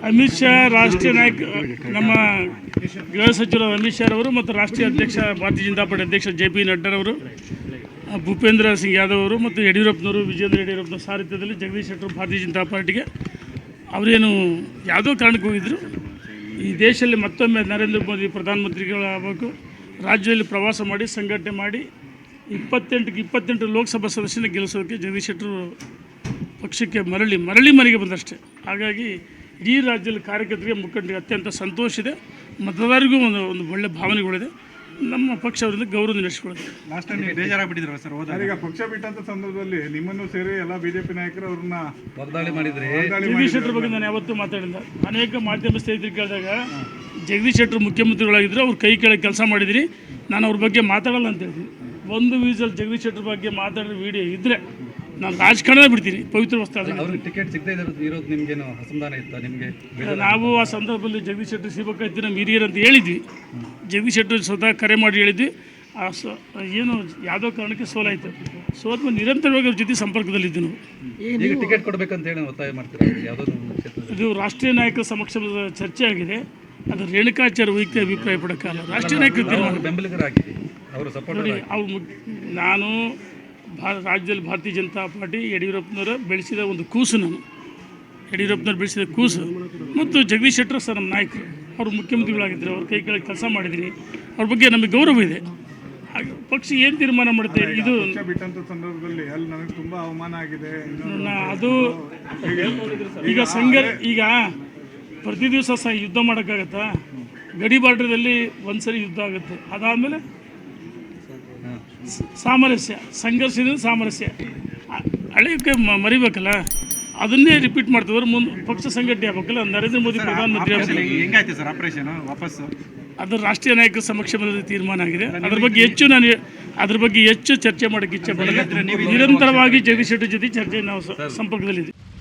ಅಮಿತ್ ಶಾ ರಾಷ್ಟ್ರೀಯ ನಾಯಕ ನಮ್ಮ ಗೃಹ ಸಚಿವರು ಅಮಿತ್ ಶಾ ಅವರು ಮತ್ತು ರಾಷ್ಟ್ರೀಯ ಅಧ್ಯಕ್ಷ ಭಾರತೀಯ ಜನತಾ ಪಾರ್ಟಿ ಅಧ್ಯಕ್ಷ JP ನಡ್ಡಾರವರು, ಭೂಪೇಂದ್ರ ಸಿಂಗ್ ಯಾದವ್ ಅವರು ಮತ್ತು ಯಡಿಯೂರಪ್ಪನವರು, ವಿಜೇಂದ್ರ ಯಡಿಯೂರಪ್ಪನ ಸಾರಥ್ಯದಲ್ಲಿ ಜಗದೀಶ್ ಶೆಟ್ಟರು ಭಾರತೀಯ ಜನತಾ ಪಾರ್ಟಿಗೆ ಅವರೇನು ಯಾವುದೋ ಕಾರಣಕ್ಕೆ ಹೋಗಿದ್ದರು. ಈ ದೇಶದಲ್ಲಿ ಮತ್ತೊಮ್ಮೆ ನರೇಂದ್ರ ಮೋದಿ ಪ್ರಧಾನಮಂತ್ರಿಗಳಾಗಬೇಕು, ರಾಜ್ಯದಲ್ಲಿ ಪ್ರವಾಸ ಮಾಡಿ ಸಂಘಟನೆ ಮಾಡಿ 28 ಲೋಕಸಭಾ ಸದಸ್ಯನ ಗೆಲ್ಲಿಸೋದಕ್ಕೆ ಜಗದೀಶ್ ಶೆಟ್ಟರು ಪಕ್ಷಕ್ಕೆ ಮರಳಿ ಮನೆಗೆ ಬಂದಷ್ಟೇ. ಹಾಗಾಗಿ ಇಡೀ ರಾಜ್ಯದಲ್ಲಿ ಕಾರ್ಯಕರ್ತರಿಗೆ ಮುಖಂಡರಿಗೆ ಅತ್ಯಂತ ಸಂತೋಷ ಇದೆ, ಮತದಾರರಿಗೂ ಒಂದು ಒಳ್ಳೆಯ ಭಾವನೆಗಳಿದೆ. ನಮ್ಮ ಪಕ್ಷ ಅವರಿಂದ ಗೌರವ ನಡೆಸಿಕೊಳ್ಳುತ್ತೆ. ಲಾಸ್ಟ್ ಟೈಮ್ ನೀವು ಬೇಜಾರಾಗ್ಬಿಟ್ಟಿದ್ರು ಸರ್ ಹೋದಾಗ? ಈಗ ಪಕ್ಷ ಬಿಟ್ಟಂತ ಸಂದರ್ಭದಲ್ಲಿ ನಿಮ್ಮನ್ನು ಸೇರಿ ಎಲ್ಲ ಬಿಜೆಪಿ ನಾಯಕರು ಅವ್ರನ್ನ ವಾಗ್ದಾಳಿ ಮಾಡಿದ್ರಿ. ಜಗದೀಶ್ ಶೆಟ್ಟರ್ ಬಗ್ಗೆ ನಾನು ಯಾವತ್ತೂ ಮಾತಾಡಿಲ್ಲ. ಅನೇಕ ಮಾಧ್ಯಮ ಸ್ನೇಹಿತರು ಕೇಳಿದಾಗ ಜಗದೀಶ್ ಶೆಟ್ಟರು ಮುಖ್ಯಮಂತ್ರಿಗಳಾಗಿದ್ದರು, ಅವ್ರು ಕೈ ಕೆಳಗೆ ಕೆಲಸ ಮಾಡಿದಿರಿ, ನಾನು ಅವ್ರ ಬಗ್ಗೆ ಮಾತಾಡಲ್ಲ ಅಂತ ಹೇಳ್ತೀನಿ. ಒಂದು ವೀಸಲ್ಲಿ ಜಗದೀಶ್ ಶೆಟ್ಟರ್ ಬಗ್ಗೆ ಮಾತಾಡೋ ವಿಡಿಯೋ ಇದ್ದರೆ ನಾನು ರಾಜಕಾರಣ ಬಿಡ್ತೀನಿ. ಪವಿತ್ರ ವಸ್ತು ಅವ್ರಿಗೆ ಟಿಕೆಟ್ ಸಿಗದೇ ಇರೋದು ನಿಮಗೇನು ಅಸಮಾಧಾನ ಇತ್ತು? ನಿಮಗೆ ನಾವು ಆ ಸಂದರ್ಭದಲ್ಲಿ ಜಗದೀಶ್ ಶೆಟ್ಟರ್ ಸಿಗಬೇಕಾಯ್ತು ನಮ್ಮ ಹಿರಿಯರು ಅಂತ ಹೇಳಿದ್ವಿ. ಜಗದೀಶ್ ಶೆಟ್ಟರ್ ಸ್ವತಃ ಕರೆ ಮಾಡಿ ಹೇಳಿದ್ವಿ. ಏನು ಯಾವುದೋ ಕಾರಣಕ್ಕೆ ಸೋಲಾಯಿತು. ಸೋತ್ಮೇಲೆ ನಿರಂತರವಾಗಿ ಅವ್ರ ಜೊತೆ ಸಂಪರ್ಕದಲ್ಲಿದ್ದು ನಾವು. ಈಗ ಟಿಕೆಟ್ ಕೊಡಬೇಕಂತ ಹೇಳಿ ಒತ್ತಾಯ ಮಾಡ್ತೀರಾ? ಯಾವುದೋ ಇದು ರಾಷ್ಟ್ರೀಯ ನಾಯಕರ ಸಮಕ್ಷಮದ ಚರ್ಚೆ ಆಗಿದೆ. ಅದು ರೇಣುಕಾಚಾರ್ಯ ವೈಯಕ್ತಿಕ ಅಭಿಪ್ರಾಯ ಪಡೋಕ್ಕಲ್ಲ, ರಾಷ್ಟ್ರೀಯ ನಾಯಕರು ತೀರ್ಮಾನ. ಬೆಂಬಲಿಗರಾಗಿ ಅವರು ಸಪೋರ್ಟ್ ನೋಡಿ, ನಾನು ರಾಜ್ಯದಲ್ಲಿ ಭಾರತೀಯ ಜನತಾ ಪಾರ್ಟಿ ಯಡಿಯೂರಪ್ಪನವರು ಬೆಳೆಸಿದ ಒಂದು ಕೂಸು. ನಾನು ಯಡಿಯೂರಪ್ಪನವ್ರು ಬೆಳೆಸಿದ ಕೂಸು ಮತ್ತು ಜಗದೀಶ್ ಶೆಟ್ಟರ್ ಸರ್ ನಮ್ಮ ನಾಯಕರು, ಅವರು ಮುಖ್ಯಮಂತ್ರಿಗಳಾಗಿದ್ದರು, ಅವ್ರ ಕೈ ಕೆಳಗೆ ಕೆಲಸ ಮಾಡಿದ್ದೀನಿ, ಅವ್ರ ಬಗ್ಗೆ ನಮಗೆ ಗೌರವ ಇದೆ. ಪಕ್ಷ ಏನು ತೀರ್ಮಾನ ಮಾಡುತ್ತೆ ಇದು ಬಿಟ್ಟಂತ ಸಂದರ್ಭದಲ್ಲಿ ಅಲ್ಲಿ ನನಗೆ ತುಂಬ ಅವಮಾನ ಆಗಿದೆ. ಅದು ಈಗ ಪ್ರತಿ ದಿವಸ ಯುದ್ಧ ಮಾಡೋಕ್ಕಾಗತ್ತಾ? ಗಡಿ ಬಾರ್ಡ್ರದಲ್ಲಿ ಒಂದ್ಸರಿ ಯುದ್ಧ ಆಗುತ್ತೆ, ಅದಾದಮೇಲೆ ಸಾಮರಸ್ಯ, ಸಂಘರ್ಷದಿಂದ ಸಾಮರಸ್ಯ. ಹಳೆಯಕ್ಕೆ ಮರಿಬೇಕಲ್ಲ, ಅದನ್ನೇ ರಿಪೀಟ್ ಮಾಡ್ತಿದ್ರು. ಮುಂದೆ ಪಕ್ಷ ಸಂಘಟನೆ ಆಗಬೇಕಲ್ಲ. ನರೇಂದ್ರ ಮೋದಿ ಪ್ರಧಾನಮಂತ್ರಿ ಹೆಂಗಾಯ್ತು ಸರ್ ಆಪರೇಷನ್ ವಾಪಸ್ಸು? ಅದು ರಾಷ್ಟ್ರೀಯ ನಾಯಕರ ಸಮಕ್ಷಮದಲ್ಲಿ ತೀರ್ಮಾನ ಆಗಿದೆ. ಅದ್ರ ಬಗ್ಗೆ ಹೆಚ್ಚು ಚರ್ಚೆ ಮಾಡೋಕ್ಕೆ ಇಚ್ಛೆ ಪಡಲ್ಲ. ನಿರಂತರವಾಗಿ ಜಗದೀಶ್ ಶೆಟ್ಟರ್ ಜೊತೆ ಚರ್ಚೆ ನಾವು ಸಂಪರ್ಕದಲ್ಲಿದ್ದೀವಿ.